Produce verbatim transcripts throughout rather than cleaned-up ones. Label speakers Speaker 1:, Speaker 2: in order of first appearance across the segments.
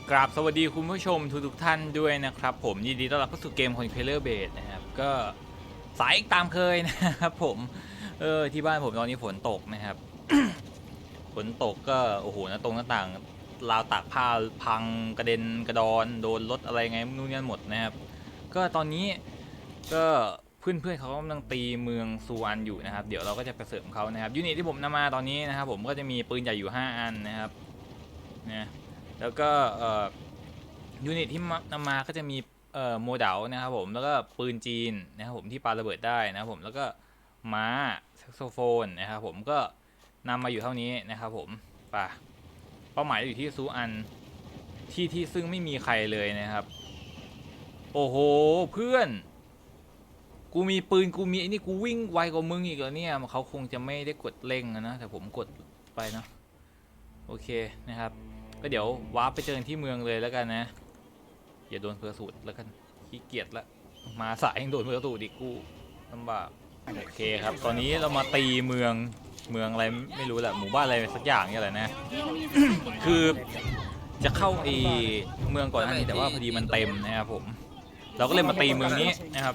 Speaker 1: กราบสวัสดีคุณผู้ชมทุกทุกท่านด้วยนะครับผมยินดีต้อนรับเข้าสู่เกม Conqueror Base นะครับก็สายตามเคยนะครับผมเออที่บ้านผมตอนนี้ฝนตกนะครับ ฝนตกก็โอ้โหหน้าตรงหน้าต่างราวตากผ้าพังกระเด็นกระดอนโดนรถอะไรไงไม่รู้เนี่ยหมดนะครับก็ตอนนี้ก็เพื่อนเพื่อนเขากำลังตีเมืองซูอันอยู่นะครับเดี๋ยวเราก็จะไปเสริมเขานะครับยูนิตที่ผมนำมาตอนนี้นะครับผมก็จะมีปืนใหญ่อยู่ห้าอันนะครับนะแล้วก็เอ่อยูนิตที่นำมาก็จะมีเอ่อโมเดลนะครับผมแล้วก็ปืนจีนนะครับผมที่ปาระเบิดได้นะครับผมแล้วก็ม้าแซกโซโฟนนะครับผมก็นำมาอยู่เท่านี้นะครับผมป่ะเป้าหมายอยู่ที่ซูอันที่ที่ซึ่งไม่มีใครเลยนะครับโอ้โหเพื่อนกูมีปืนกูมีไอ้นี่กูวิ่งไวกว่ามึงอีกแล้วเนี่ยเขาคงจะไม่ได้กดเร่งนะแต่ผมกดไปนะโอเคนะครับก็เดี๋ยววาร์ปไปเจอกันที่เมืองเลยแล้วกันนะอย่าโดนเพอร์สูตรแล้วกันขี้เกียจละมาสายยังโดนเพอร์สูตรอีกกูลำบากโอเคครับตอนนี้เรามาตีเมืองเมืองอะไรไม่รู้แหละหมู่บ้านอะไรสักอย่างเนี่ยแหละนะ คือจะเข้าไอเมืองก่อนหน้านี้แต่ว่าพอดีมันเต็มนะครับผมเราก็เลยมาตีเมืองนี้นะครับ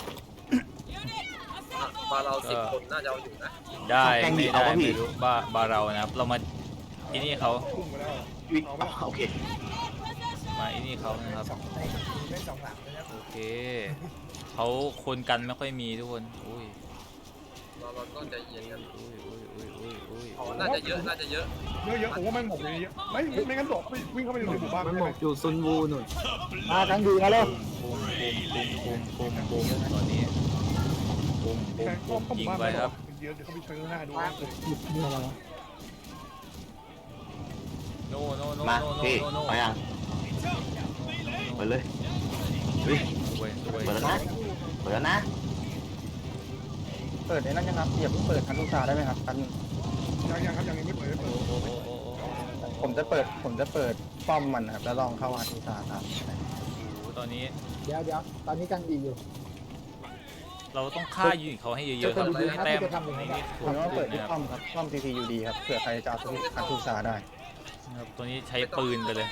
Speaker 2: บาเราสิบคนน่าจะเอาอยู่นะ
Speaker 1: ได้ไม่ได้ไม่รู้บ้าบาเรานะครับเรามาที่นี่เขา
Speaker 3: วิ่งโอเค
Speaker 1: มาที่นี่เขานะครับ
Speaker 4: เล่นสองหลังเลยนะ
Speaker 1: โอเคเขาคนกันไม่ค่อยมีทุกคนอุ้ย
Speaker 2: เราเราต้องใจเย็นกัน
Speaker 1: อุ้ยอุ้ยอุ้ยอุ้ยอุ้ย
Speaker 2: อ๋อน่าจะเยอะน่าจะเยอะ
Speaker 4: เยอะเยอะผมว่ามันหมกเยอะไม่ไม่งั้นหลบวิ่งเข้าไปในหมู่บ้าน
Speaker 3: มันหมกอยู่ซุนวูหนุน
Speaker 4: มากันดีนะเล่น
Speaker 1: ปุ้มปุ้มปุ้มปุ้มปุ้มปุ้มตอนนี้ปุ้มปุ้ม
Speaker 4: แข่ง
Speaker 1: ปุ้ม
Speaker 4: เข้าห
Speaker 1: ยิ
Speaker 4: มู่
Speaker 1: ง
Speaker 4: บ้าน
Speaker 1: ไปครับ
Speaker 4: เยอะเดี๋ยวเขาไปเชิญหน้าดู
Speaker 3: หยิบนี่อะไรวะ
Speaker 1: โนโนโน
Speaker 3: มา
Speaker 1: โนโน
Speaker 3: พี่
Speaker 1: โนโน
Speaker 3: มายังเปิดเลยเฮ้ย
Speaker 1: สวยสวย
Speaker 3: เปิดแล้วนะเปิดแล้วนะ
Speaker 5: เปิดในนั้นยังครับอย่าเพิ่งเปิดคันลูกตาได้ไหมครับคัน
Speaker 4: ยังยังครับยังไม่เปิดเปิด
Speaker 1: โอ้โหโอ้โห
Speaker 5: ผมจะเปิดผมจะเปิดป้อมมันนะครับแล้วลองเข้าคันลูกตาครับ
Speaker 1: ตอนนี้
Speaker 5: เดี๋ยวเดี๋ยวตอนนี้กังดีอยู่
Speaker 1: เราต้องฆ่ายูนิตเขาให้เยอะๆครับเพื่อให้แต้มในนี้
Speaker 5: ผ
Speaker 1: ถู
Speaker 5: ม
Speaker 1: ก
Speaker 5: ว่า
Speaker 1: ขึ้
Speaker 5: เปิ
Speaker 1: น
Speaker 5: ดที่
Speaker 1: นะครับ
Speaker 5: ป้อมครับป้อม ซี ที ยู ดี ครับเผื่อใครจะเอาสวิตช์คันลูกตาได้
Speaker 1: นะครับตัวนี้ใช้ปืนไปเลย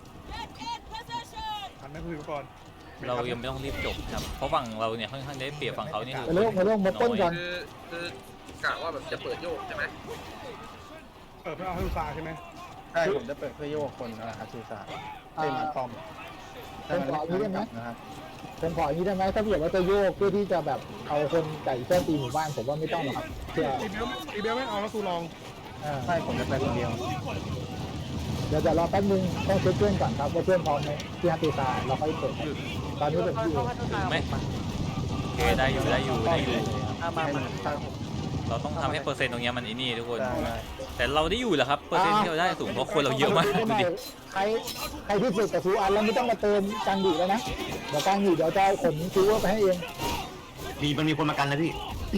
Speaker 4: หันไม่คุยก่อน
Speaker 1: เรายังไม่ต้องรีบจบครับเพราะฝั่งเราเนี่ยค่อนข้างได้เปรียบฝั่งเขานี่
Speaker 5: ไปเรื่องไปเรื่องมาต้นกัน
Speaker 2: คือคือกะว่าแบบจะเปิดโยกใช่ไหม
Speaker 4: เปิดเพื่อเอาให้ลูกตาใช่ไหม
Speaker 5: ใช่ผมจะเปิดเพื่อโยกคนอ่าคันลูกตาเล่นมาป้อมผมขออย่างนี้ได้ไหมนะครับผมขออย่างนี้ได้ไหมถ้าเกิดว่าจะโยกเพื่อที่จะแบบเอาคนไก่เจ้าตีหมู่บ้านผมว่าไม่ต้องหรอกครับเพื่อ
Speaker 4: อีเบลอีเบลไม่เอาแล้วตูลอง
Speaker 5: ใช่ผมจะไปคนเดียวเดี๋ยวจะรอแป๊บนึงต้องเช็คเพื่อนก่อนครับว่าเพื่อนพร้อมไหมที่ฮัตติตาเราค่อยเปิดตอนนี้ผมอยู่
Speaker 1: ถึงไหมโอเคได้อยู่ได้อยู่ได้อยู่
Speaker 5: มามา
Speaker 1: เราต้องทำให้เปอร์เซ็นต์ตรงนี้มันไอ้นี่ทุกคน
Speaker 5: ได้
Speaker 1: แต่เราได้อยู่แหละครับเปอร์เซ็นต์ที่เราได้สูงเพราะคนเราเยอะมากดูดิ
Speaker 5: ใครใครที่สุดกับซูอันแล้วไม่ต้องมาเติมกลางดีแล้วนะเดี๋ยวกลางดีเดี๋ยวจะเอาขนซูเวอร์ไปให้เอง
Speaker 3: มีมันมีคนมากันนะพี่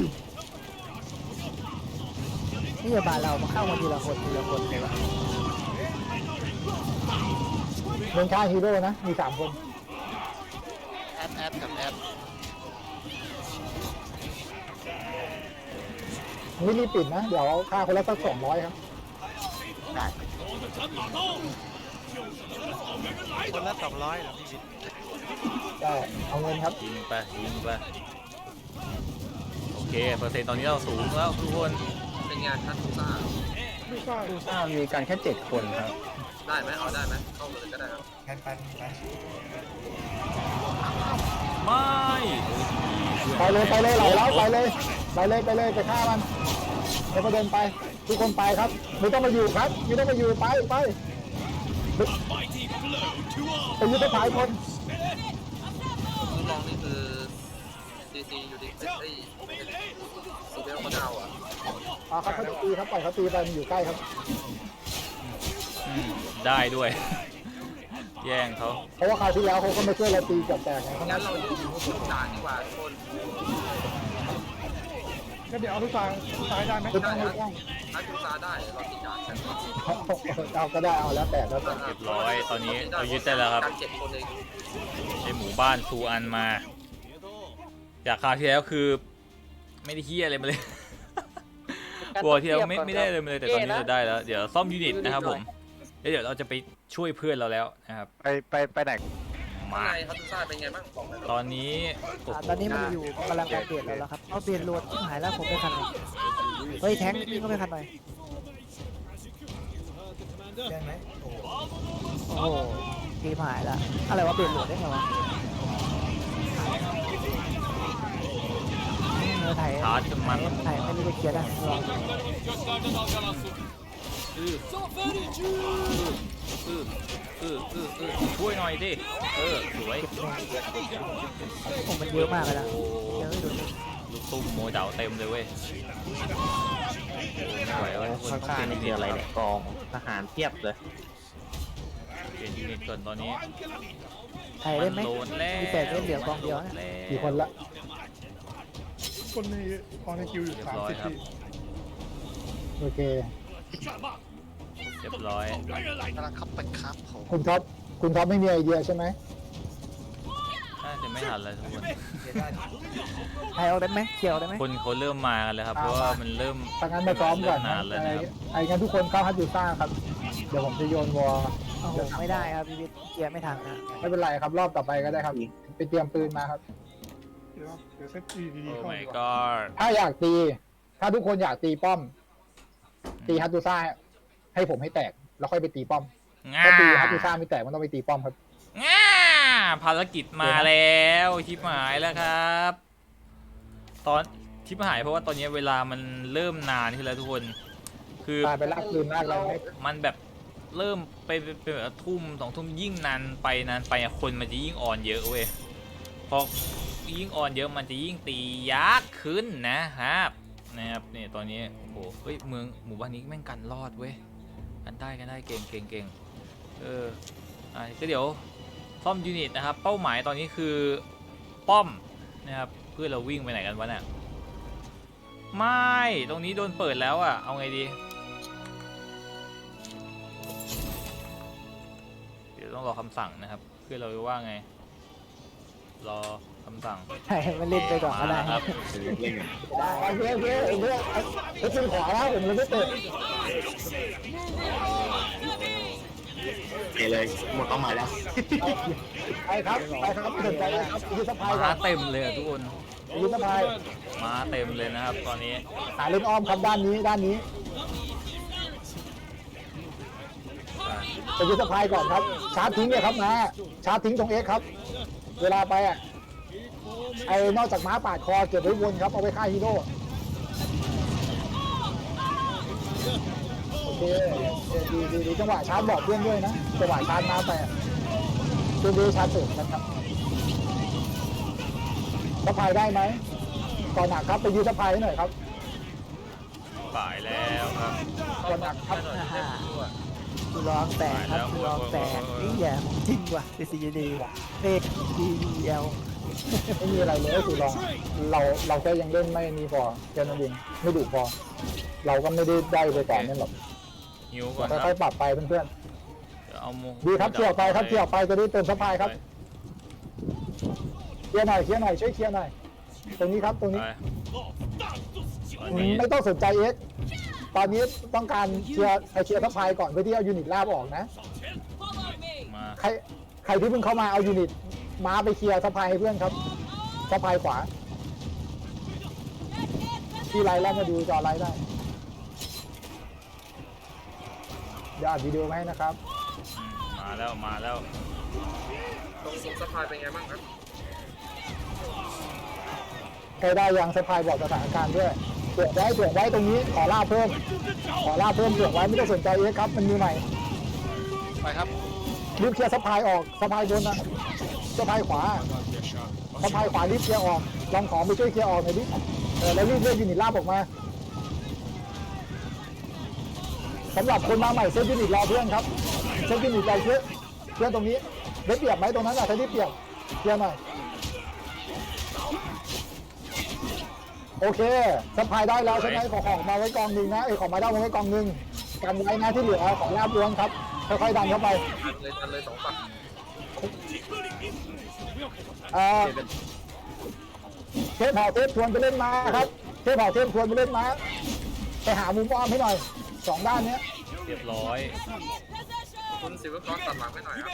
Speaker 5: นี่บาเรามาเข้ามาทีละคนทีละคนเลยวะเมืองค่าฮีโร่นะมีสามคน
Speaker 2: แอดแอดกับแอด
Speaker 5: ไม่รีบปิดนะเดี๋ยวค่าคนละสักสองร้อยครับ
Speaker 3: ได้
Speaker 2: คนละสองร้อยเหรอพี่วิทย์
Speaker 5: ได้เอาเงินครับ
Speaker 1: ยิงไปยิงไปโอเคเปอร์เซ็นต์ตอนนี้เราสูงแล้วทุกคน
Speaker 2: เป็นงานทันทุกซ่า
Speaker 4: ลูกตา
Speaker 5: ซูซ่ามีกันแค่เจ็ดคนครับ
Speaker 2: ได้ไหมเอาได้ไหมเข้ามาเลยก็ได้ครับ
Speaker 4: แคนปันไป
Speaker 1: ไม่
Speaker 5: ไปเลยไปเลยไหลแล้วไปเลยไปเลยไปเลยไปฆ่ามันแล้วก็เดินไปทุกคนไปครับไม่ต้องมาอยู่ครับไม่ต้องมาอยู่ไปไปไปยืนไปถ่ายคน
Speaker 2: ทดลองนี่คือซีซีอยู่ดีเอ้ยซีเบลเขาจะเอาอ่ะ
Speaker 5: อ่าครับเขาจะตีครับปล่อยเขาตีไปมันอยู่ใกล้ครับ
Speaker 1: อืมได้ด้วย แย่งเขา
Speaker 5: เพราะว่าคราวที่แล้วเขาก็ไม่ช่วยเราตีเกับแตกไงเขา
Speaker 2: งั้นเราอยู่ทุกด่านดีกว่าทุกคน
Speaker 4: ก็เดี๋ยวเอาลูกตาลูกตาได้ไหม
Speaker 5: ไม่ต้องไม่ต้อง
Speaker 2: ถ้าทุกซ่าได้เราติดด่านกัน
Speaker 5: เอาก็ได้เอาแล้วแต่แล้วแต่
Speaker 1: เรียบร้อยตอนนี้เรายึดได้แล้วครับ
Speaker 2: การเจ็ดคนเอง
Speaker 1: ไอหมู่บ้านซูอันมา จากคราวที่แล้วคือ ไม่ได้เฮียอะไรมาเลยกลัวที่เราไม่ไม่ได้เลยมาเลยแต่ตอนนี้เราได้แล้วเดี๋ยวซ่อมยูนิตนะครับผมแล้วเดี๋ยวเราจะไปช่วยเพื่อนเราแล้วนะครับ
Speaker 3: ไปไปไปไหน
Speaker 2: ข้าง
Speaker 1: มา
Speaker 2: ในฮัตตุซ่าเป็นไงบ้างบอกหน่อย
Speaker 1: ตอนนี้โอ้
Speaker 6: อ่า
Speaker 1: โห
Speaker 6: ตอนนี้มันอยู่กำลังอัปเดตแล้วครับเอาเปลี่ยนโหลดที่หายแล้วผมไปคันหน่อยเฮ้ยแท้งนี่ก็ไปคันหน่อยโอ้โหเกมหายละอะไรวะเปลี่ยนโหลดได้ไงวะเนื้อไทย
Speaker 1: ชาร์จจนมัน
Speaker 6: ไทยไม่รู้จะเคลียร์ได้ลอง
Speaker 1: อืออืออืออืออือช่วยหน่อยดิเออสวย
Speaker 6: เก็บแน่ผมมันเยอะมากเลยนะ
Speaker 1: โอ้
Speaker 6: เยอะไม่ดู
Speaker 1: ลูกตุ้มโมเดาเต็มเลยเว้ยไม่ไหวแล้วทุกคน
Speaker 3: ข้างๆนี่คืออะไรเนี่ยกองทหารเทียบเลย
Speaker 1: เปลี่ยนยูนิตก่อนตอนนี้
Speaker 6: ไทยได้ไหม
Speaker 1: นโดนแล้ว
Speaker 6: มีแต่เล่นเหลือกองเดียวนะ
Speaker 5: กี่คนละ
Speaker 4: คนในออนในคิวอยู่
Speaker 1: เรีย
Speaker 4: สา
Speaker 1: บ
Speaker 4: ม
Speaker 1: ร้อย
Speaker 4: สิบ
Speaker 1: ครับ
Speaker 4: ที่
Speaker 5: โอเค
Speaker 1: เรียบร้อย
Speaker 3: กำลังขับไปครับผม
Speaker 5: คุณท็อปคุณท็อปไม่มีไอเดียใช่ไหม
Speaker 1: น่าจะไม่ทันแล้วทุกคน
Speaker 6: ไทยเอาได้ไหมเคลียร์เอาได้ไหม
Speaker 1: คนเขาเริ่มมากันแล้วครับ เพราะว่ามันเริ่ม
Speaker 5: ถ้างั้นมาซ้อมก่อน
Speaker 1: เริ่นานแล้ว
Speaker 5: ไอ้
Speaker 1: นะครับ
Speaker 5: ไอ้งั้นทุกคนเข้าฮัตยูซ่าครับ เดี๋ยวผมจะโยนวอล
Speaker 6: โอ้โหไม่ได้ครับพี่วิทย์เคลียร์ไม่ทันนะ
Speaker 5: ไม่เป็นไรครับรอบต่อไปก็ได้ครับ ไปเตรียมปืนมาครับ
Speaker 4: เดี๋ยวเดี๋ยวเซตดีดี
Speaker 1: โอ้
Speaker 4: ๆเข้า
Speaker 1: my
Speaker 4: ดีกว่า
Speaker 1: god
Speaker 5: ถ้าอยากตี ถ้าทุกคนอยากตีป้อม ตีฮัตตูซ่าให้ผมให้แตก แล้วค่อยไปตีป้อม
Speaker 1: ง่า
Speaker 5: ถ้าตีฮัตตูซ่าไม่แตกมันต้องไปตีป้อมครับ
Speaker 1: ง่าภารกิจมาแล้วชิบหายแล้วครับ ตอนชิบหายเพราะว่าตอนนี้เวลามันเริ่มนานขึ้นแล้วทุกคน คือ
Speaker 5: ตายไปลากปืนลากอะไรไหม
Speaker 1: มันแบบเริ่มไปเป็นแบบทุ่มสองทุ่มยิ่งนานไปนานไปอะคนมันจะยิ่งอ่อนเยอะเว้ยพอยิ่งอ่อนเยอะมันจะยิ่งตียากขึ้นนะครับนะครับเนี่ยตอนนี้โอ้โหเฮ้ยเมืองหมู่บ้านนี้แม่งกันรอดเว้ยกันได้กันได้เก่งเก่งเก่งเอออ่ะก็เดี๋ยวซ่อมยูนิตนะครับเป้าหมายตอนนี้คือป้อมนะครับเพื่อเราวิ่งไปไหนกันวะเนี่ยไม่ตรงนี้โดนเปิดแล้วอ่ะเอาไงดีเดี๋ยวต้องรอคำสั่งนะครับเพื่อเราจะว่าไงรอคำสั่ง
Speaker 6: ไทยมันเล่นไปก่อนก็ได้
Speaker 1: มาครับ
Speaker 5: โอเคโอเคโอเคไอ้ปืนขวาแล้วผมเลยไม่เปิด
Speaker 3: เอเลยหมดเป้าหมายแล้ว
Speaker 5: ไปครับไปครับสนใจเลยครับยืนสะพายก่
Speaker 1: มา
Speaker 5: อน
Speaker 1: เต็มเลยอะทุกคน
Speaker 5: ยืนสะพาย
Speaker 1: มาเต็มเลยนะครับตอนนี้
Speaker 5: หาเล่นอ้อมครับด้านนี้ด้านนี้ไปยืนสะพายก่อนครับชาร์จทิ้งเลยครับนะชาร์จทิ้งตรงเอ็กครับ เวลาไปอ่ะไอ้นอกจากม้าปาดคอเก็บไว้วนครับเอาไว้ฆ่าฮีโร่โอเคดีดีดีจังหวะชาร์จบอกเพื่อนด้วยนะจังหวะชาร์จม้าไปเพื่อนดีชาร์จเสริมกันครับสะพายได้ไหมก่อนหนักครับไปยืนสะพายให้หน่อยครับ
Speaker 1: ฝ่ายแล้วครับ
Speaker 5: ก่อนหนักครับ
Speaker 6: อ่าฮะกูร้องแตกครับกูร้องแตกนี่อย่าของจริงว่ะเป็นซีดีเอกดีเอล
Speaker 5: ไม่มีอะไรเลยก็คือลองเราเราแค่ยังเล่นไม่มีพอแค่นั้นเองไม่ดุพอ เราก็ไม่ได้ได้ไปก่อนนั่นหรอก
Speaker 1: หิวก่อน
Speaker 5: เรา
Speaker 1: ค
Speaker 5: ค่
Speaker 1: รั
Speaker 5: อบ ยๆปรับไปเพื่อน
Speaker 1: เดี๋ยวเอาโม
Speaker 5: ๆดีครับเคลียร์ออกไปครับเคลียร์ออกไปจะได้เติมสะพายครับเคลียร์หน่อยเคลียร์หน่อยช่วยเคลียร์หน่อยตรงนี้ครับตรงนี้
Speaker 1: ไปตอนนี้
Speaker 5: ไม่ต้องสนใจเอ็กซ์ตอนนี้ต้องการเคลียร์เคลียร์สะพายก่อนเพื่อที่เอายูนิตลาบออกนะ
Speaker 1: มา
Speaker 5: ใครใครที่เพิ่งเข้ามาเอายูนิตม้าไปเคลียร์สะพายให้เพื่อนครับสะพายขวาที่ไลน์แล้วมาดูจอไลน์ได้เดี๋ยวอัดวิดีโอมาให้นะครับ
Speaker 1: อืมมาแล้วมาแล้ว
Speaker 2: ตรงสุดสะพายเป็นไงบ้างครับ
Speaker 5: ใครได้ยังสะพายบอกสถานการณ์ด้วยเผื่อไว้เผื่อไว้ตรงนี้ขอล่าเพิ่ม ขอล่าเพิ่มเผื่อไว้ไม่ต้องสนใจเอ็กซ์ครับมันมีใหม่
Speaker 1: ไปครับ
Speaker 5: รีบเคลียร์สะพายออกสะพายบนนะสะพายขวาสะพายขวารีบเคลียร์ออกลองของไปช่วยเคลียร์ออกหน่อยดิเออแล้วรีบเรียกยูนิตลาบออกมาสำหรับคนมาใหม่เซตยูนิตรอเพื่อนครับเซตยูนิตรอเพื่อนเพื่อนตรงนี้ได้เปรียบไหมตรงนั้นอะถ้าได้เปรียบเคลียร์หน่อยโอเคสะพายได้แล้วใช่ไหมขอของมาไว้กองหนึ่งนะไอ้ยของมาได้มาไว้กองหนึ่งกันไว้นะที่เหลือของลาบล้วนครับค่อยๆดันเข้าไป
Speaker 2: ดันเลยดันเลยสองฝั่ง
Speaker 5: เอ่อเทพเผาเทพชวนไปเล่นม้าครับเทพเผาเทพชวนไปเล่นม้าไปหามุมอ้อมให้หน่อยสองด้านเนี้ย
Speaker 1: เรียบร้อย
Speaker 2: คุณศิวกรตัดหลังไปหน่อยครับ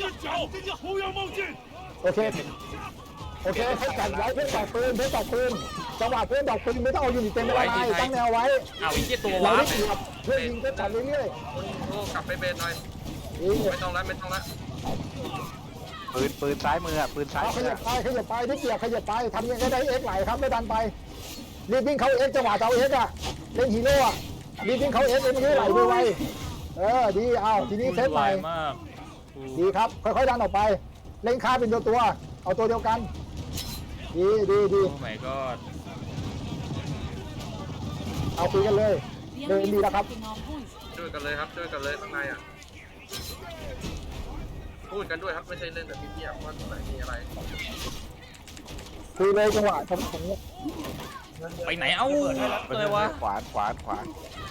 Speaker 5: โอเคโอเคให้จัดไว้เพื่อนดอกปืนเพื่อนดอกปืนจังหวะเพื่อนดอกปืนไม่ต้องเอายูนิตเต็มไม่เป็นไรตั้งแนวไว้
Speaker 1: เอาอีกที่ตัว
Speaker 5: เรา
Speaker 1: วาร์
Speaker 5: ได้
Speaker 1: ป
Speaker 5: เปรียบเพื่อนยิงก็จัดเรื่อย
Speaker 2: คุณโอ้กลับไปเบนหน่อย
Speaker 5: ๆยิง
Speaker 2: ไม่ต้องแล้วไม่ต้องแล้ว
Speaker 3: ปืนปืนซ้ายมืออ่ะปืนซ้าย
Speaker 5: เอาข
Speaker 3: มือ
Speaker 5: ยับ
Speaker 3: อะ
Speaker 5: ไปขยับไปได้เปรียบขยับไปทำยังไงได้เอ็กไหลครับแล้วดันไปรีบวิ่งเข้าเอ็กจังหวะจะเอาเอ็กอะเล่นฮีโร่อะรีบวิ่งเข้าเอ็กเอ็กมันจะไหลไวๆเออดีเอาทีนี้เซตใหม่
Speaker 1: มาก
Speaker 5: ดีครับค่อยๆดันออกไปเล่นค่าเป็นตัวตัวเอาตัวเดียวกันดีดีดี
Speaker 1: โอ้ my god
Speaker 5: เอาคุยกันเลยเดินดีแล้วครับ
Speaker 2: ช่วยกันเลยครับช่วยกันเลยข้างในอ่ะพูดกันด้วยครับไม่ใช่เล่นแต่พี่เพียบว่าตรงไหนมีอะไร
Speaker 5: คุยเลยจังหวะผมผม
Speaker 1: ไปไหนเอ้าเลยวะ
Speaker 3: ขวานขวานขวาน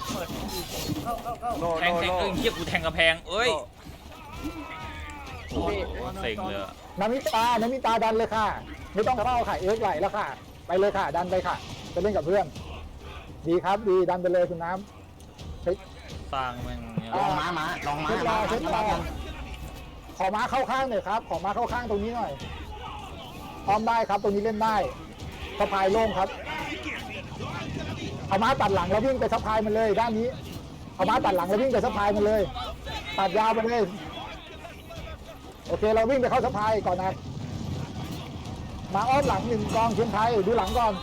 Speaker 3: โล
Speaker 1: แท
Speaker 3: โล
Speaker 1: งแทง
Speaker 3: โล
Speaker 1: เอ้ยเฮียกูแทงกระแพงเอ้ยโอ้โหเซ็งเลยอะ
Speaker 5: น้ำมิตาน้ำมิตาดันเลยค่ะ ไม่ต้องเข้าค่ะเอ็กไหลแล้วค่ะ ไปเลยค่ะ ดันไปค่ะไปเล่นกับเพื่อน ดีครับดีดันไปเลยคุณน้ำเฮ้ย
Speaker 1: สร้างแม่งเนี่ย
Speaker 5: ลองม้าม้าลองม้าเช็ดรอเช็ดรอขอม้าเข้าข้างหน่อยครับ ขอม้าเข้าข้างตรงนี้หน่อยพร้อมได้ครับตรงนี้เล่นได้สะพายโล่งครับเอาม้าตัดหลังแล้ววิ่งไปสะพายมันเลยด้านนี้เอาม้าตัดหลังแล้ววิ่งไปสะพายมันเลยตัดยาวไปเลยโอเคเราวิ่งไปเข้าสะพายก่อนนะมาอ้อมหลังหนึ่งกองเชียงไทยดูหลังก่อน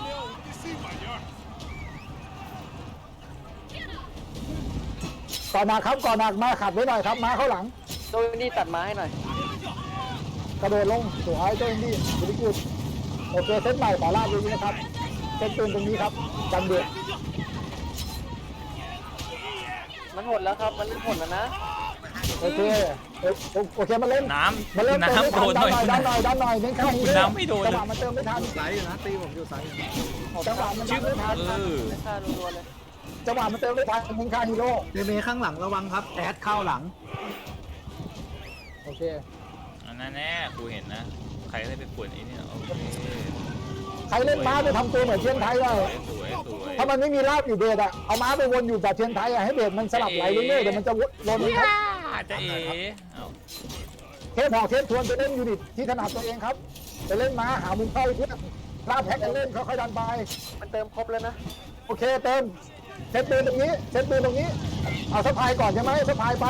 Speaker 5: ก่อนหนักครับก่อนหนักมาขัดไว้หน่อยครับมาเข้าหลัง
Speaker 6: โดยนี่ตัดไม้ให้หน่อย
Speaker 5: กระโดดลงสวยเจ้าอินดี้บริกุดโอเคเซตใหม่ขอลาดอย่างนี้นะครับเซตปืนตรงนี้ครับกันเดือด
Speaker 6: มันหมดแล้วครับมันหมดแล้วนะ
Speaker 5: โอเคเอ้ยโอเคมาเล่น
Speaker 1: น้
Speaker 5: มาเล่น
Speaker 1: ำ
Speaker 5: เติมไม่
Speaker 1: น้ำโด
Speaker 5: ทัน
Speaker 1: นห
Speaker 5: ดั
Speaker 1: น่
Speaker 5: น
Speaker 1: อย
Speaker 5: หน่อยดันหน่อยดันหน่อยเน้นข้างนี้
Speaker 1: คุณน้ำไม่โดน
Speaker 5: จังหวะมันเติมไม่ทัน
Speaker 4: สายอยู่นะตีผมอยู่สายอยู่
Speaker 5: จังหวะมันเติมไม่ทัน
Speaker 1: เออ
Speaker 6: ฆ่ารัวๆเลย
Speaker 5: จังหวะมันเติมไม่ทันเน้นข้างฮีโร่
Speaker 4: เมเมข้างหลังระวังครับแอดเข้าหลัง
Speaker 5: โอเค
Speaker 1: อันนั้นแน่กูเห็นนะ ใครได้ไปป่วนไอ้เนี่ยโอเค
Speaker 5: ใครเล่นม้าไปทำตัวเหมือนเชียงไทยได้
Speaker 1: สวยสวยสวย
Speaker 5: ถ้ามันไม่มีลาบอยู่เบสอะเอาม้าไปวนอยู่แบบเชียงไทยอะให้เบสมันสลับไหลเรื่อยๆเดี๋ยวมันจะวนครับ
Speaker 1: อาจจะเอ๋เอา
Speaker 5: เทปหอกเทปทวนไปเล่นยูนิตที่ถนัดตัวเองครับไปเล่นม้าหามุมเข้าเพื่อนลาบแพ็กกันเล่นค่อยๆดันไป
Speaker 6: มันเติมครบแล้วนะ
Speaker 5: โอเคเติมเซตปืนตรงนี้เซตปืนตรงนี้เอาสะพายก่อนใช่ไหมสะพายไป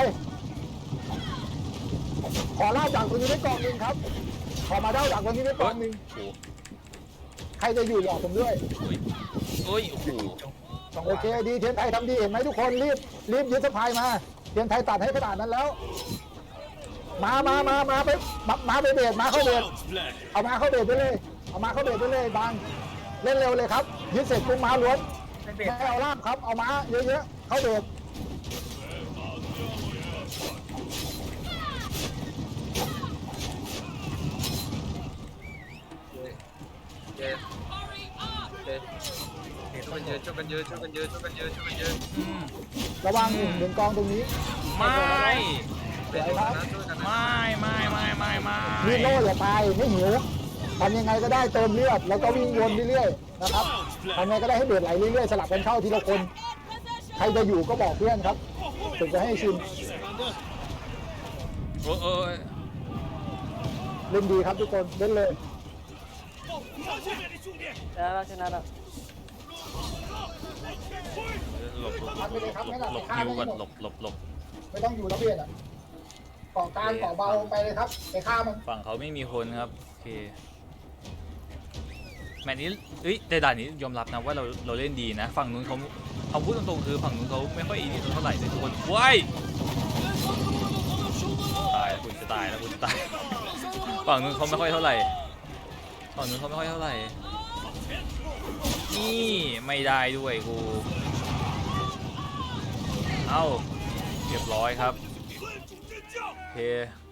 Speaker 5: ขอลาบจากตรงนี้ได้กองหนึ่งครับ ขอมาได้จากตรงนี้ได้กองหนึ่ง
Speaker 1: โอ้โห
Speaker 5: ใครจะอยู่บอกผมด้วย
Speaker 1: โอ้ยโอ้ยโอ้โห
Speaker 5: โอเคดีเทียนไทยทำดีเห็นไหมทุกคนรีบรีบยึดสะพายมาเทียนไทยตัดให้ขนาดนั้นแล้ว มามามามาไปมามาไปเบสมาเข้าเบสเอามาเข้าเบสไปเลยเอามาเข้าเบสไปเลยบางเล่นเร็วเลยครับยึดเสร็จปุ๊บมาล้วนไม่เอาล่ามครับเอามาเยอะๆเข้าเบส
Speaker 2: เย้เย้ช่วยกันยืนช่วยกันยืนช่วยกันยืนช่วยกันยืนช่วยกันยืน
Speaker 1: อืม
Speaker 5: ระวังหนึ่งหนึ่งกองตรงนี้
Speaker 1: ไม่
Speaker 2: เป็นอยู่นะช่วยกันนะ
Speaker 1: ไม่ไม่ไม่ไม่ไม่
Speaker 5: รีบโล่อย่าตายไม่หิวทำยังไงก็ได้เติมเลือดแล้วก็วิ่งวนเรื่อยๆนะครับทำยังไงก็ได้ให้เดือดไหลเรื่อยๆสลับกันเข้าทีละคนใครจะอยู่ก็บอกเพื่อนครับถึงจะให้ชิน
Speaker 1: โอ้ยโอ้ย
Speaker 5: เล่นดีครับทุกคนเล่นเลย
Speaker 6: ชนะแล้วชนะแล้ว
Speaker 1: หลบหลบหลบหลบหลบฮิวก่อนหลบหลบหลบ
Speaker 5: ไม่ต้องอยู่ระเบียดอ่ะเกาะกลางเกาะเบาไปเลยครับไปฆ่ามัน
Speaker 1: ฝั่งเขาไม่มีคนครับโอเคแมตช์นี้เอ้ยแต่ด่านนี้ยอมรับนะว่าเราเราเล่นดีนะ ฝั่งนู้นเขาเอาพูดตรงๆคือฝั่งนู้นเขาไม่ค่อยอินเท่าไหร่เลยทุกคนว้ายตายแล้วคุณจะตายแล้วคุณจะตายฝั่งนู้นเขาไม่ค่อยเท่าไหร่ฝั่งนู้นเขาไม่ค่อยเท่าไหร่นี่ไม่ได้ด้วยกูเอ้าเรียบร้อยครับโอเค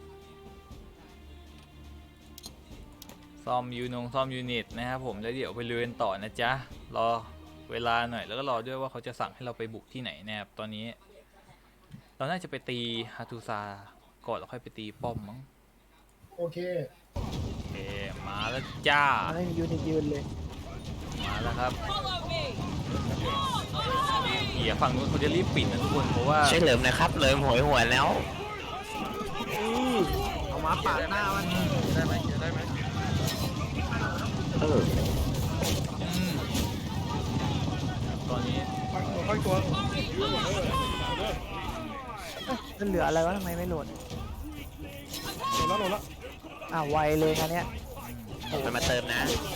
Speaker 1: ซ่อมยูนงซ่อมยูนิตนะครับผมแล้วเดี๋ยวไปเรียนต่อนะจ๊ะรอเวลาหน่อยแล้วก็รอด้วยว่าเขาจะสั่งให้เราไปบุกที่ไหนนะครับตอนนี้เราน่าจะไปตีฮาตูซาก่อนแล้วค่อยไปตีป้อมมั้ง
Speaker 5: โอเค
Speaker 1: โอเคมาแล้วจ้า
Speaker 6: ไม่มียูนิตยืนเลย
Speaker 1: มาแล้วครับเหี้ยฝั่งนู้นเขาจะรีบปิดนะทุกคนเพราะว่า
Speaker 3: ช่วยเหลิมนะครับเหลิมหวยหัวแล้ว
Speaker 2: มาปาดหน้ามันได้ไหมได้ไหม
Speaker 3: เออ
Speaker 1: อืมตอนนี้
Speaker 4: ค่อยตัว
Speaker 6: มันเหลืออะไรวะทำไมไม่โหลด
Speaker 4: โดนแล้วโดนแล้ว
Speaker 6: อ่าไวเลยอันเนี้ย
Speaker 3: มันมาเติมนะ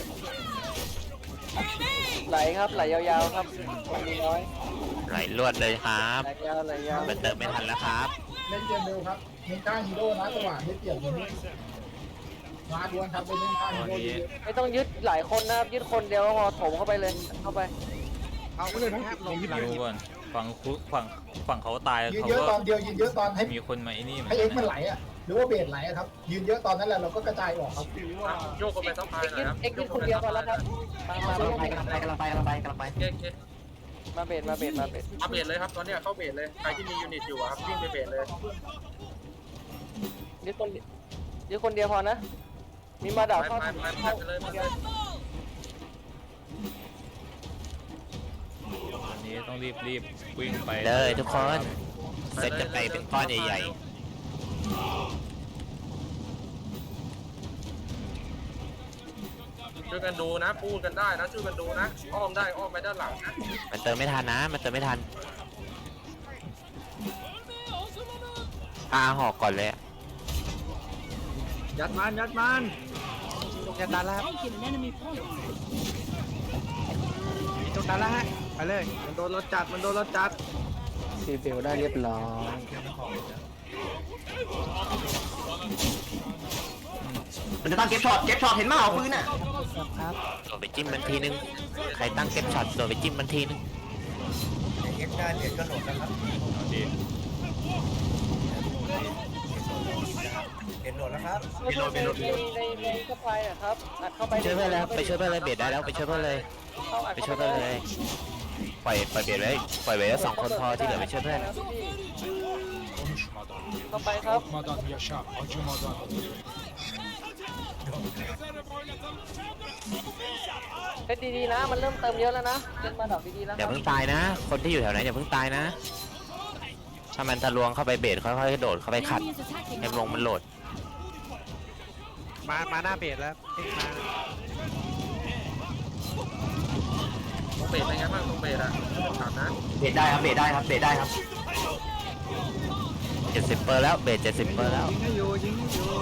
Speaker 7: ไหลครับไหลยาวๆครับมีน้อย
Speaker 3: ไหลลวดเลยครับ
Speaker 7: ไหลยาวไหลยาว
Speaker 3: มันเติมไม่ทันแล้วครับ
Speaker 5: เล่นเกมเร็วครับเน้นก้างฮีโร่นะจังหวะไม่เปลี่ยนอย่างนี้มาดวลครับไปเล่นก้าง
Speaker 1: ต
Speaker 5: ฮี
Speaker 1: อน
Speaker 5: โร่
Speaker 1: นี้
Speaker 5: เยอะ
Speaker 7: ไม่ต้องยึดหลายคนนะครับยึดคนเดียวก็พอถมเข้าไปเลยเข้าไป
Speaker 4: เอาไปเลยนะลงยึดหลัง
Speaker 1: ดูก่อนฝั่งคุฝั่งฝั่งเขาตาย
Speaker 5: ยืน
Speaker 1: เขา
Speaker 5: เยอะ
Speaker 1: ก็
Speaker 5: ตอนเดียวยืนเยอะตอนให้
Speaker 1: มีคนมาไอ้นี่เหมือน
Speaker 5: ให้
Speaker 1: กั
Speaker 5: เอ็ก
Speaker 1: น
Speaker 5: ซ์มัน
Speaker 1: นะ
Speaker 5: ไหลอ่ะหรือว่าเบสไหลอะครับยืนเยอะตอนนั้นแหละเราก็กระจายออกครับ
Speaker 2: โยกกันไปสักพายหน่อยครับ
Speaker 7: เอ็กซ์ยึดคนเดียวพอแล้วครับมามามา
Speaker 3: กำลังไปกำลังไปกำลังไปกำลังไป
Speaker 2: โอเคโอเค
Speaker 7: มาเบสมาเบสมาเบส
Speaker 2: เอาเบสเลยครับตอนนี้เข้าเบสเลยใครที่มียูนิตอยู่ครับวิ่งไปเบสเลย
Speaker 7: ยึดคนยึดคนเดียวพอนะมีมาดา
Speaker 2: ไป
Speaker 7: เข้า
Speaker 2: ไปไปไปเลยไปเลย
Speaker 1: ตอนนี้ต้องรีบรีบวิ่งไป
Speaker 3: เลยทุกคนเซตกันไปเป็นก้อนใหญ่
Speaker 2: ช่วยกันดูนะพูดกันได้นะช่วยกันดูนะอ้อมได้อ้อมไปด้านหลังนะ
Speaker 3: ๆมันเติมไม่ทันนะ มันเติมไม่ทันอาหอกก่อนเลย
Speaker 2: ยัดมันยัดมัน
Speaker 6: ตรงยันดันแล้วครับ
Speaker 8: Taking an enemy point.
Speaker 6: ตรงนั้นแล้วฮะไปเลย
Speaker 2: มันโดนเราจัดมันโดนเราจัด
Speaker 7: ซีเบลได้เรียบร้อย
Speaker 3: มันจะตั้งเก็บช็อตเก็บช็อตเห็นไหมเอาปืนอ่ะ
Speaker 6: ครับ
Speaker 3: โดนไปจิ้มมันทีนึงใครตั้งเก็บช็อตโดนไปจิ้มมันทีนึง
Speaker 1: เอาดี
Speaker 7: ไม่ช่วยในในในสปายนะครับอัดเข้าไป
Speaker 3: ไปช่วยเพื่อนแล้วไปช่วยเพื่อนเลยเบ็ดได้แล้วไปช่วยเพื่อนเลย
Speaker 7: เข้าอัด
Speaker 3: ไป
Speaker 7: เข้า
Speaker 3: ช่วย
Speaker 7: ไป
Speaker 3: เพื่อนเลยปล่อยปล่อยเบ็ดไว้ปล่อยไว้แล้วสองคนพอที่เหลือไปช่วยเพื่อน
Speaker 7: เข้าไปครับเล่นดีๆนะมันเริ่มเติมเยอะแล้วนะเล่นมาดอกดีๆแล้ว
Speaker 3: อย่าเพิ่งตายนะ คนที่อยู่แถวนั้นอย่าเพิ่งตายนะ ถ้ามันทะลวงเข้าไปเบสค่อยๆโดดเข้าไปขัด
Speaker 8: Enemy is attacking.
Speaker 3: ให้ลงมันโหลด
Speaker 6: มามาหน้าเบสแล้วเอ็กซ์มา
Speaker 2: ตรงเบสเป็นไงบ้างตรงเบสอะถามนะ
Speaker 3: เบสได้ครับเบสได้ครับเบสได้ครับเจ็ดสิบเปอร์แล้วเบสเจ็ดสิบเปอร์แล้ว
Speaker 2: ยิงให้อยู่ยิงให้อยู่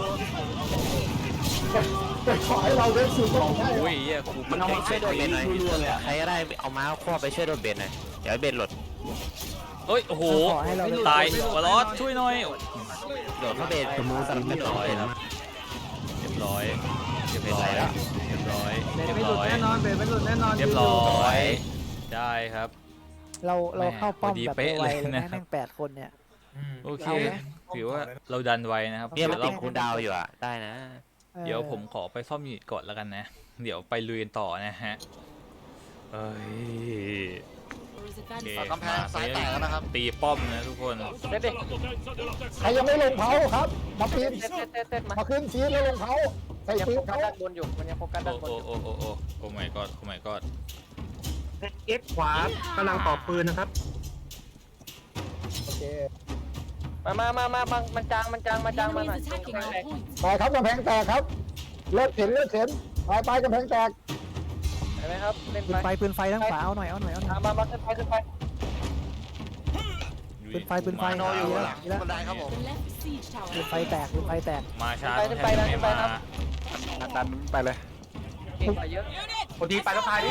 Speaker 5: แต่ขอให้เราได้ซื้อของได้
Speaker 1: อุ้ยเหี้ยกู
Speaker 3: มันเอามาช่วยโดดเบสหน่อยใครก็ได้เอาม้าควบไปช่วยโดดเบสหน่อยเดี๋ยวให้เบสหลด
Speaker 1: เอ้ยโอ้โห
Speaker 6: ขอให้เรา
Speaker 1: ตายวอลลอสช่วยหน่อย
Speaker 3: โดดเข้าเบสสมูสลับเรียบร้อยครับ
Speaker 1: เรียบร้อยเรียบ
Speaker 3: เบส
Speaker 1: ร้อ
Speaker 3: ไหล
Speaker 1: ย
Speaker 3: แล้ว
Speaker 1: เรียบร้อย
Speaker 2: เบส
Speaker 1: เรียบ
Speaker 2: ไม่หลุด
Speaker 1: ร้อย
Speaker 2: แน่นอนเบสไม่หลุดแน่นอน
Speaker 1: เรียบร้อยได้ครับ
Speaker 6: เราเราเข้าป้อม
Speaker 1: พอดี
Speaker 6: แบบ
Speaker 1: เป๊ะ
Speaker 6: ไว
Speaker 1: เลย
Speaker 6: เลย
Speaker 1: นะ
Speaker 6: นะแม่งแปดคนเนี่ย
Speaker 1: โอเค
Speaker 6: เอาไหม
Speaker 1: ถือว่าเราดันไวนะครับ
Speaker 3: เนี่ยมัน
Speaker 1: เดี๋ยว
Speaker 3: ติด
Speaker 1: เรา
Speaker 3: คูลดาวน์อยู่อ่ะได้นะ
Speaker 1: เดี๋ยวผมขอไปซ่อมยูนิตก่อนแล้วกันนะ เดี๋ยวไปลุยกันต่อนะฮะเอ้ย
Speaker 8: Or is it
Speaker 1: โอเค
Speaker 8: advanced?
Speaker 1: กำแพงซ้ายแตกแล้วนะครับ ตีป้อมนะทุกคน
Speaker 7: เต้นดิ
Speaker 5: ใครยังไม่ลงเผาครับมาปีน
Speaker 7: เต้นเต้นเต้นเต้นมา
Speaker 5: มาขึ้นฟีดแล้วลงเผาใส่
Speaker 7: ยัง
Speaker 5: ปื
Speaker 7: โฟ
Speaker 5: น
Speaker 7: กัส
Speaker 5: เขา
Speaker 7: ด้านบนอยู่มันยังโฟกัสด้า
Speaker 1: โอ้
Speaker 7: นบน
Speaker 1: โอ้
Speaker 7: อยู่
Speaker 1: โอ้โอ้โอ้โอ้ my god โอ้ my god
Speaker 2: เอ็กขวากำลังต่อปืนนะครับ
Speaker 5: โอเค
Speaker 7: มามามามามามันจางมันจางมัน
Speaker 8: The
Speaker 7: จางมา
Speaker 8: enemy
Speaker 7: หน่อย
Speaker 8: is attacking our point.
Speaker 5: ไปครับกำแพงแตกครับเลิกเข็นเลิกเข็นไปไปกำแพงแตก
Speaker 7: เห็นไหมครับเล่น
Speaker 6: ปืนไฟ
Speaker 7: ไป
Speaker 6: ปืนไฟทั้งขวาเอาหน่อยเอาหน่อยเอาหน่อย
Speaker 7: มามาขึ้นไปขึ้นไป
Speaker 6: ปืนไฟปืนไฟ
Speaker 1: มา
Speaker 6: ดี
Speaker 1: ช้า
Speaker 6: แล้วดีแล้ว
Speaker 8: The left siege
Speaker 6: ปื
Speaker 8: tower.
Speaker 6: นไฟแตกปืนไฟแตก
Speaker 1: มาช้า
Speaker 7: ขึ้นไปขึ้นไปนะขึ้นไปครับ
Speaker 6: ดันไปเลย
Speaker 7: เก่งกว่าเยอะ
Speaker 2: พอดีไปแล้วพายดิ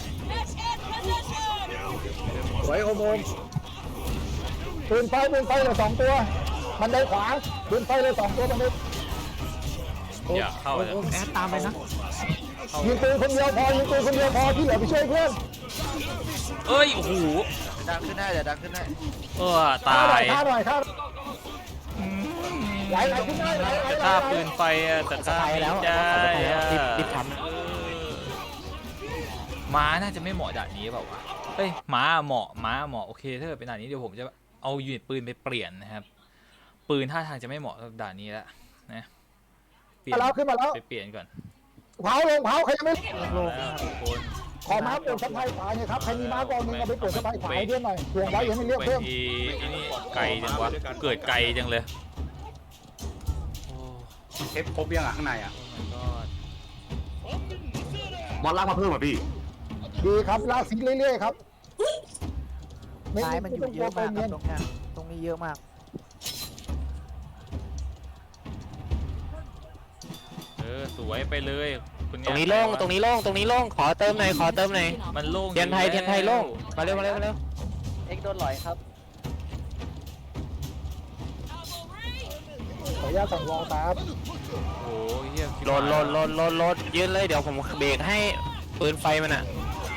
Speaker 5: สวยโอมโอมปืนไฟปืนไฟเลยสองตัวมันได้ขวาปืนไฟเลยสองตัวมันได้
Speaker 1: อย่าเข้าเลย
Speaker 6: แอดตามไปนะ
Speaker 5: ยิงปืนคนเดียวพอยิงปืนคนเดียวพอที่เหลือไปช่วยเพื่อน
Speaker 1: เอ้ยโอ้โห
Speaker 2: ดังขึ้นได้เดี๋ยวดังขึ้นได้
Speaker 1: เออตาย
Speaker 5: ฆ่าหน่อยฆ่าหน่อย
Speaker 1: อืม
Speaker 5: ไหลไหลขึ้นได้ไหลไหล
Speaker 1: จะ
Speaker 5: ไหล
Speaker 1: ฆ่าปืนไฟอะแต่ฆ่า
Speaker 3: ไป
Speaker 1: ไม่
Speaker 3: แล้ว
Speaker 1: ได้
Speaker 3: ไปแล้ว
Speaker 1: อะ
Speaker 3: รีบรีบทำนะ
Speaker 1: เออม้าน่าจะไม่เหมาะด่านนี้เปล่าวะเอ้ยม้าเหมาะม้าเหมาะโอเคถ้าเกิดเป็นด่านนี้เดี๋ยวผมจะเอายูนิตปืนไปเปลี่ยนนะครับ ปืนท่าทางจะไม่เหมาะกับด่านนี้แล้วนะเปลี่ยน
Speaker 5: มาแล้วขึ้นมาแล้ว
Speaker 1: ไปเปลี่ยนก่อน
Speaker 5: เผาลงเผาใครยังไม่
Speaker 6: โลง
Speaker 1: แล้วทุกคน
Speaker 5: ขอม้าเปลี่ยนสะพายขวาเนี่ยครับใครมีม้ากองนึงเอาไปเปลี่ยนสะพายขวาให้เพื่อนหน่อยถ่วงไว้ยังไม่เรียก
Speaker 1: ไป
Speaker 5: เพิ่ม
Speaker 1: ทีไอ้นี่ไกลจังวะเกิดไกลจังเลยโอ้
Speaker 4: เอฟครบยังอ่ะข้างในอ่ะ
Speaker 1: ก็
Speaker 4: บอลลากมาเพิ่มอ่ะพี่
Speaker 5: ดีครับลากซิเรื่อยๆครับ
Speaker 6: ซ้ายมันอยู่เยอะมากครับ
Speaker 5: เนียน
Speaker 6: ตรงเนี้ยตรงนี้เยอะมาก
Speaker 1: เออสวยไปเลยคุณ
Speaker 3: ตรงนี้โล่งตรงนี้โล่งตรงนี้โล่งขอเติมหน่อยขอเติมหน่อย
Speaker 1: มันโล่ง
Speaker 3: เทียนไทยเทียนไทยโล่งมาเร็วมาเร็วมาเร็ว
Speaker 7: เอ็กโดนหลอยครับ
Speaker 5: ขออนุญาตสั่งวอลครับ
Speaker 1: โอ้ยเฮีย
Speaker 3: โหลดโหลดโหลดโหลดโหลดยืนเลยเดี๋ยวผมเบรกให้ปืนไฟมันอ่ะ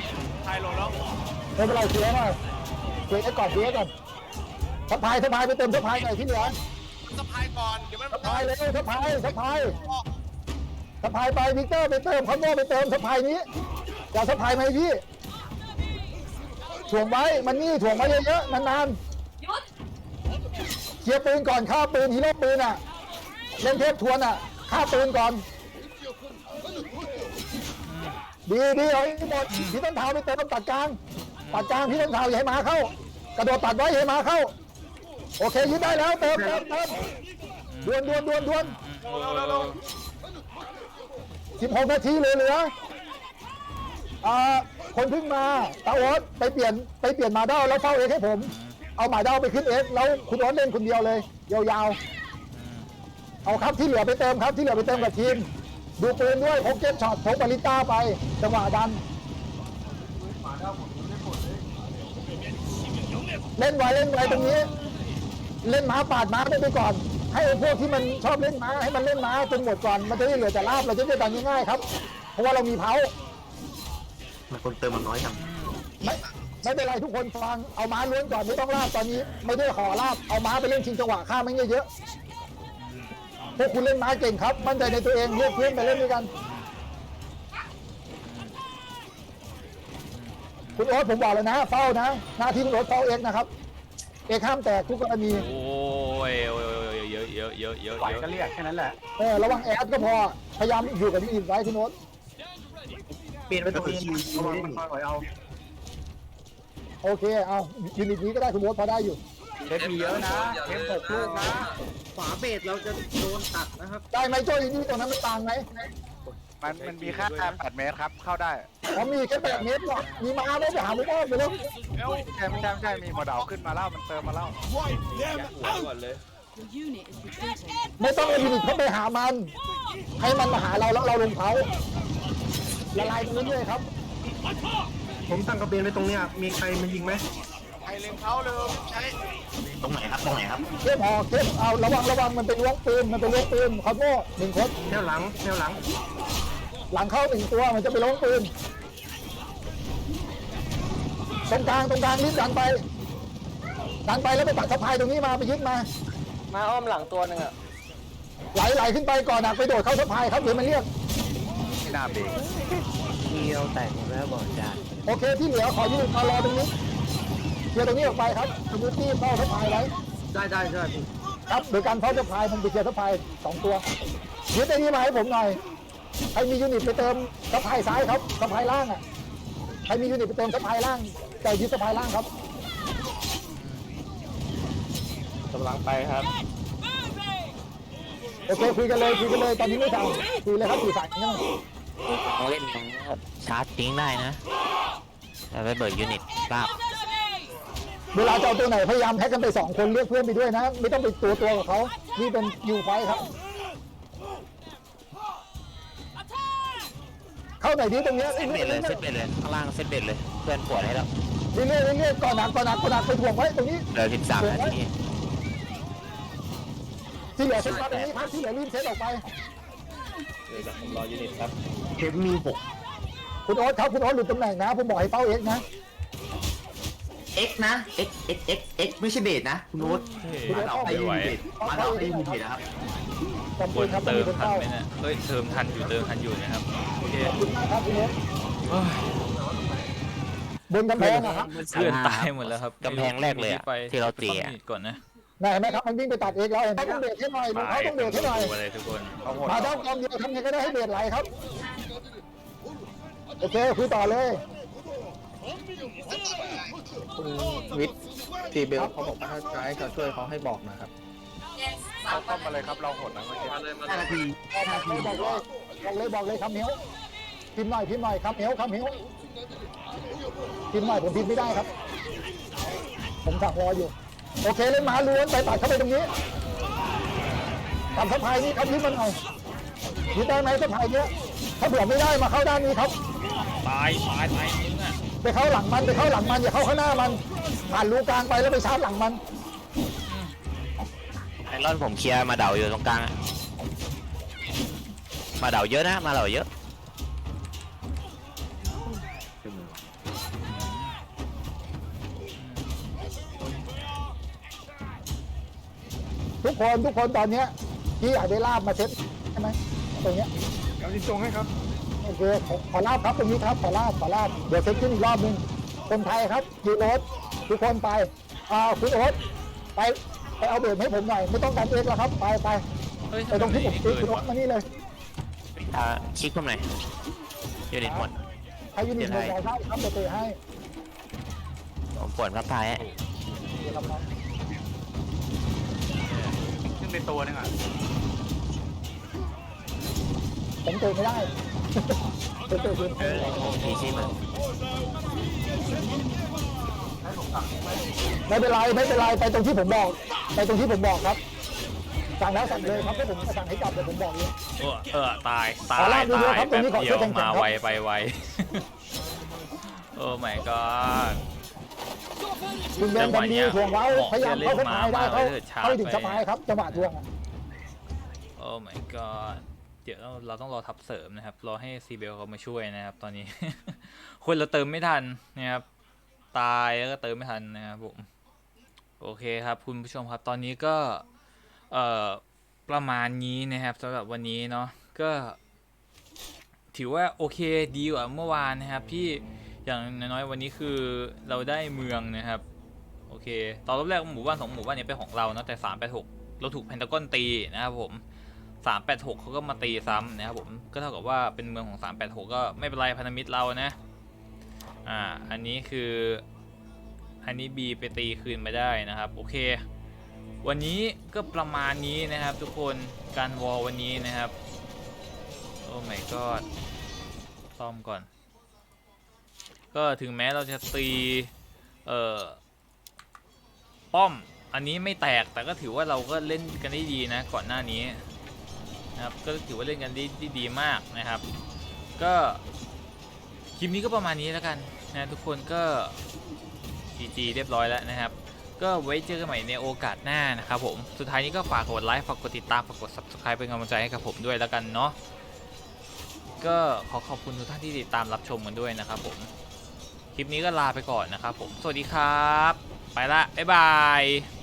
Speaker 5: ไม่เป็นไรเคลียร์หน่อยเคลียร์ก่อนเคลียร์ก่อนสะพายสะพายไปเติมสะพายหน่อยที่เหลือสะพายก่อนเดี๋ยวมันสะพายเลยสะพายสะพายสะพายไปวิกเตอร์ไปเติมคอนโดไปเติมสะพายนี้อย่าสะพายไหมพี่ถ่วงไว้มันนี่ถ่วงไว้เยอะๆนานๆเคลียร์ปืนก่อนฆ่าปืนฮีโร่ปืนอ่ะเล่นเทปทวนอ่ะฆ่าปืนก่อนดีดีเอาให้หมดพี่ต้นเท้าไปเติมตัดกลางตัดกลางพี่ต้นเท้าอย่าให้หมาเข้ากระโดดตัดไว้อย่าให้หมาเข้าโอเคยึดได้แล้วเติมเติมเติมดวนดวนดวนดวนสิบหกนาทีเหลือเหลืออ่าคนเพิ่งมาตาโอ๊ตไปเปลี่ยนไปเปลี่ยนหมาเด้าแล้วเฝ้าเอกให้ผมเอาหมาเด้าไปขึ้นเอกแล้วคุณโอ๊ตเล่นคนเดียวเลยยาวๆเอาครับที่เหลือไปเติมครับที่เหลือไปเติมกับทีมดูปืนด้วยพกเก็ตช็อตพกบาลิต้าไปจังหวะดันเล่นไวเล่นไวตรงนี้ เล่นม้าปาดม้าไปก่อน ให้พวกที่มันชอบเล่นม้าให้มันเล่นม้าจนหมดก่อนมันจะได้เหลือแต่ลาบเราจะได้ดันง่ายๆครับเพราะว่าเรามีเผา
Speaker 4: มันคนเติมมันน้อยจัง
Speaker 5: ไม่ไม่เป็นไรทุกคนฟังเอาม้าล้วนก่อนไม่ต้องลาบตอนนี้ไม่ได้ขอลาบเอาม้าไปเล่นชิงจังหวะฆ่ามันเยอะๆพวกคุณเล่นม้าเก่งครับมั่นใจในตัวเองเรียกเพื่อนไปเล่นด้วยกันคุณโอ๊ตผมบอกเลยนะเฝ้านะหน้าที่คุณโอ๊ตเฝ้าเอกนะครับเอกห้ามแตกทุกกรณี
Speaker 1: โอ้ยโอ้ยเยอะเยอะเยอะเยอะ
Speaker 4: ไหว
Speaker 1: เยอะ
Speaker 4: ก็เรียกแค่นั้นแหละ
Speaker 5: เออระวังแอดก็พอพยายามอยู่กับที่อินไว้คุณโอ๊ต
Speaker 4: เปลี่ยนไปตรงนี้ระวังมันค่อยเอา
Speaker 5: โอเคเอายูนิตนี้ก็ได้คุณโอ๊ตพอได้อยู่
Speaker 4: เอฟมีเยอะนะเอฟหกลูกนะฝาเบสเราจะโดนตัดนะครับ
Speaker 5: ได้ไหมโจ้ยูนิตตรงนั้นมันต่างไหม
Speaker 9: มันมันมีแค่แปดเมตรครับ เข้าได้
Speaker 5: ผมมีแค่แปดเมตรหรอกมีมาไม่ไปหามุกอ้อมไปแล้ว
Speaker 9: ใช่ไม่ใช่ไม่ใช่มีโมเดลขึ้นมาแล้วมันเติมมาแล้ว
Speaker 8: The unit is retreating.
Speaker 5: ไม่ต้องเอายูนิตเข้าไปหามัน ให้มันมาหาเราแล้วเราลงเขาละลายไปเรื่อยๆครับ
Speaker 4: ผมตั้งกระเบนไว้ตรงเนี้ยมีใครมายิงไหม
Speaker 9: ใครเล็งเขาเลยใช้
Speaker 4: ตรงไหนครับตรงไหนครับ
Speaker 5: เข้มออกเข้มเอาระวังระวังมันเป็นล้วงปืนมันเป็นล้วงปืนคอโม่หนึ่งคน
Speaker 4: แนวหลังแนวหลัง
Speaker 5: หลังเข้าหนึ่งตัวมันจะไปล้วงปืนตรงกลางตรงกลางรีบดันไปดันไปแล้วไปตัดสะพายตรงนี้มาไปยึดมา
Speaker 7: มาอ้อมหลังตัวหนึ่งอ่ะ
Speaker 5: ไหลไหลขึ้นไปก่อนนะไปโดดเข้าสะพายครับเดี๋ยวมันเรียก
Speaker 9: ไม่น่าเบรก
Speaker 6: เดียวแตกหมดแล้วบอกจาน
Speaker 5: โอเคที่เหลือขอยืนมารอตรงนี้เคลียร์ตรงนี้ออกไปครับสมุตี้เฝ้าสะพายไว้
Speaker 4: ได้ได้ได้
Speaker 5: ครับโดยการเฝ้าสะพายมันไปเคลียร์สะพายสองตัวยึดไอ้นี้มาให้ผมหน่อยใครมียูนิตไปเติมสะพายซ้ายครับสะพายล่างอ่ะใครมียูนิตไปเติมสะพายล่างแต่ยึดสะพายล่างครับ
Speaker 3: กำลังไปครับ
Speaker 5: โอเคคุยกันเลยคุยกันเลยตอนนี้ไม่ทำคุยเลยครับสื่อสารกันหน่อย
Speaker 3: ต้องเล่นชาร์จทิ้งได้นะแต่ไปเบิร์ดยูนิตลาก
Speaker 5: เวลาจะเอาตัวไหนพยายามแพ็กกันไปสองคนเรียกเพื่อนไปด้วยนะ ไม่ต้องไปตัวตัวกับเขานี่เป็นยูไฟครับ เข้าไหนดีตรงเนี้ย
Speaker 3: เซตเบรดเลยเซตเบรดเลยข้างล่างเซตเบรดเลยเพื่อนปวดให้แล้ว
Speaker 5: เรื่อยๆเรื่อยๆก่อนหนักก่อนหนักก่อนหนักไปถ่วงไว้ตรงนี้
Speaker 3: เหลือสิบสามนาที
Speaker 5: ที่เหลือเซ็ตมาตรงนี้ครับที่เหลือรีบเซ็ตออกไป
Speaker 4: เอฟมีหก
Speaker 5: คุณโอ๊ตครับคุณโอ๊ตหลุดตำแหน่งนะผมบอกให้เป้าเอ็กนะ
Speaker 10: X นะ X X X X ไม่ใช่เบสนะ คุณโน้ต
Speaker 5: คุณโอ๊ตเข้าไป
Speaker 1: ไม่ไหว
Speaker 10: มาเราไม่มีเบสนะครับ
Speaker 5: ขอบ
Speaker 1: ค
Speaker 5: คุณ
Speaker 1: น
Speaker 5: ครับ
Speaker 1: เติม
Speaker 5: คุณ
Speaker 1: ทัน
Speaker 5: เป้า
Speaker 1: ไหมเนี่ยเฮ้ยเติมทันอยู่เติมทันอยู่นะครับโอเค
Speaker 5: ขอบคุณมากครับคุณโอ๊ต
Speaker 1: เฮ้ย
Speaker 5: บนกำแพงนะครับ
Speaker 1: เพื่อนตายหมดแล้วครับ
Speaker 3: กำแพงแรกเลยอะที่เราตีอะ
Speaker 1: ต้องมีก่อนนะ
Speaker 5: ไหนเห็นไหมครับมันวิ่งไปตัดเอกแล้วเห็นไหมต้องเบรกให้หน่อยลุงเขาต้องเบรกให้หน่อย
Speaker 1: อะไรทุกคน
Speaker 5: มาด้อมกองเดียวทำไงก็ได้ให้เบรกไหลครับโอเคคุยต่อเลย
Speaker 2: คุณวิทย์ทีเบลเขาบอกว่าถ้าจะให้เขาช่วยเขาให้บอกนะครับ
Speaker 9: เข้าป้อมมาเลยครับเราหดนะเมื่อกี้
Speaker 2: มาเลยมา
Speaker 10: ห้า
Speaker 2: เล
Speaker 10: นาย ทีห้านาที
Speaker 5: บอกเลยบอกเลยบอกเลยครับเหมียวพิมพ์หน่อยพิมพ์หน่อยครับเหมียวครับเหมียวพิมพ์หน่อยผมพิมพ์ไม่ได้ครับ ผมสั่งรออยู่โอเคเล่นหมาล้วนไปตัดเข้าไปตรงนี้ตัดสะพายนี้ครับยึดมันหน่อยยึดได้ไหมสะพายเนี้ยถ้าเผื่อไม่ได้มาเข้าด้านนี้ครับ
Speaker 1: ตายตายตายมึงอ่ะ
Speaker 5: ไปเข้าหลังมันไปเข้าหลังมันอย่าเข้าข้างหน้ามันผ่านรูกลางไปแล้วไปชาร์จหลังมัน
Speaker 3: ไอรอนผมเคลียร์มาเดาอยู่ตรงกลางอะมาเดาเยอะนะมาเดาเยอะ
Speaker 5: ทุกคนทุกคนตอนเนี้ยพี่อยากได้ลาบมาเช็ดใช่ไหมตรงเนี้ย
Speaker 9: เดี๋ยวจินจงให้ครับ
Speaker 5: โอเคขอขอลาบครับตรงนี้ครับขอลาบขอลาบเดี๋ยวเช็คขึ้นอีกรอบนึงคนไทยครับยูโรสทุกคนไปอ่าคุณโอ๊ตไปไปเอาเบรกให้ผมหน่อยไม่ต้องการเองแล้วครับไปไป
Speaker 1: เฮ้ย
Speaker 5: ไปตรงที่ผม
Speaker 1: ทำไ
Speaker 5: ซื้อคุณโอ๊
Speaker 1: วะ
Speaker 5: ตมานี่เลย
Speaker 3: อ่าคลิกผมหน่อยยูนิตหมด
Speaker 5: ใครยูนิตหมดเราได้ครับเตะให้
Speaker 3: ผมปวดพับพายให้
Speaker 5: เดี๋ยวครับน้อง
Speaker 9: ขึ้นไปตัวนึงอ่ะ
Speaker 5: ผมเตะไม่ได้ เตะเตะเตะ
Speaker 3: ทีซีมัน
Speaker 5: ไม่เป็นไรไม่เป็นไรไปตรงที่ผมบอกไปตรงที่ผมบอกครับสั่งแล้วสั่งเลยครับถ้าผมจะสั่งให้จับเดี๋ยวผมบอกเลย
Speaker 1: เออเออตายตา
Speaker 5: ขอย ลากดู
Speaker 1: ตา
Speaker 5: ด้วย
Speaker 1: ย
Speaker 5: ครับตร
Speaker 1: แป๊
Speaker 5: ง
Speaker 1: บ
Speaker 5: นี้ขอ
Speaker 1: เดีย
Speaker 5: ช่ว
Speaker 1: วย
Speaker 5: แข่งๆ
Speaker 1: มา
Speaker 5: ครับ
Speaker 1: ไวไปไว โอ้ my god
Speaker 5: คุณเบนกันดีถ่วงเว้าพยายามเข้าสะพายได้เข้า
Speaker 1: เล่นมา
Speaker 5: เข้าถึง
Speaker 1: ไป
Speaker 5: สะพายครับจังหวะทวงอะ
Speaker 1: โอ้ my god เดี๋ยวเราเราต้องรอทับเสริมนะครับรอให้ซีเบลเขามาช่วยนะครับตอนนี้ คนเราเติมไม่ทันนะครับตายแล้วก็เติมไม่ทันนะครับผมโอเคครับคุณผู้ชมครับตอนนี้ก็เอ่อประมาณนี้นะครับสำหรับวันนี้เนาะก็ถือว่าโอเคดีกว่าเมื่อวานนะครับที่อย่างน้อยๆวันนี้คือเราได้เมืองนะครับโอเคตอนรอบแรกหมู่บ้านสองหมู่บ้านนี้เป็นของเราเนาะแต่สามแปดหกเราถูกเพนทากอนตีนะครับผมสามแปดหกเขาก็มาตีซ้ำนะครับผมก็เท่ากับว่าเป็นเมืองของสามแปดหกก็ไม่เป็นไรพันธมิตรเรานะอ่าอันนี้คืออันนี้ B ไปตีคืนมาได้นะครับโอเควันนี้ก็ประมาณนี้นะครับทุกคนการวอลวันนี้นะครับโอ้ my god ซ่อมก่อนก็ถึงแม้เราจะตีเอ่อป้อมอันนี้ไม่แตกแต่ก็ถือว่าเราก็เล่นกันได้ดีนะก่อนหน้านี้นะครับก็ถือว่าเล่นกันได้ดีดีมากนะครับก็คลิปนี้ก็ประมาณนี้แล้วกันนะทุกคนก็ จี จี เรียบร้อยแล้วนะครับก็ไว้เจอกันใหม่ในโอกาสหน้านะครับผมสุดท้ายนี้ก็ฝากกดไลค์ฝากกดติดตามฝากกด ซับสไครบ์ เป็นกำลังใจให้กับผมด้วยแล้วกันเนาะก็ขอขอบคุณทุกท่านที่ติดตามรับชมกันด้วยนะครับผมคลิปนี้ก็ลาไปก่อนนะครับผมสวัสดีครับไปละบ๊ายบาย